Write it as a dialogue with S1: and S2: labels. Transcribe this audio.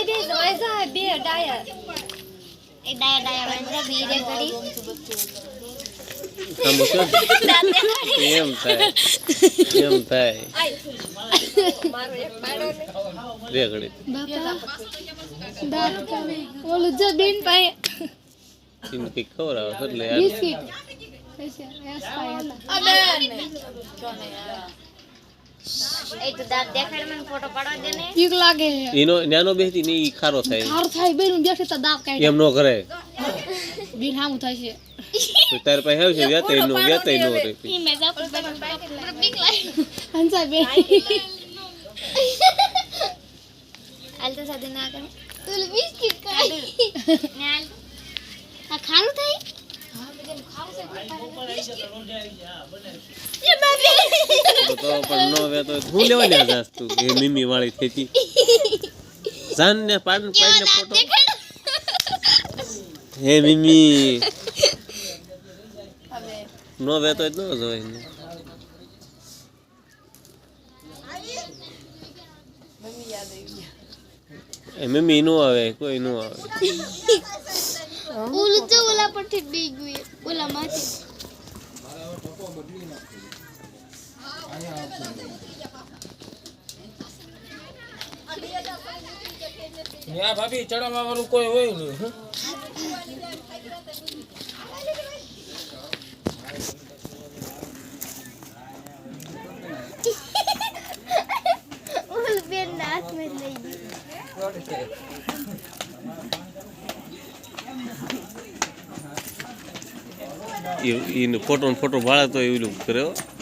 S1: दे वैसा है बे डायर
S2: એ ડાયા ડાયા વાંદરા બીરે કરી
S3: આમ શું એમ થાય
S1: मारो एक मारो
S3: રે ઘડી
S1: बापा दांत का ओलो जो बीन पाए
S3: ઇન કે ખબર આવે એટલે યાર
S1: बिस्किट कैसे यस पाए अबे
S2: એ તો દાંત દેખાડ મને ફોટો પાડવા દે ને
S1: ठीक लागे
S3: એનો ન્યાનો બેહતી ની ઈ ખારો થાય
S1: खार थाई बेनु देखे तो दांत काट
S3: એમ નો કરે
S1: बीन हामु थाई छे
S3: તો તાર પાસે આવશે વ્યાતય નો રે
S2: ઈ મે જા પર બીક લાગે
S1: हंसा बे
S2: આલ તો સાદે ના કરે તું બિસ્કિટ ખાઈ ને આલ આ ખારું થઈ હા બેન ખારું છે એ બાબે
S3: તો પણ નો વે તો હું લેવા ને જાસ તું એ મીમી વાળી થેતી જાન ને પાડને ફોટો હે મીમી નો વે તો ન જોય ને એ મીમી નો આવે કોઈ નો આવે
S2: ઓલું તો ઓલા પરથી બી ગયું ઓલા માંથી
S4: યા ભાભી ચડાવવા વાળું કોઈ હોય નહીં
S2: ઓલ બેન નાક મે લઈ
S3: ઈ ફોટો ભાળે તો એવું કરે હો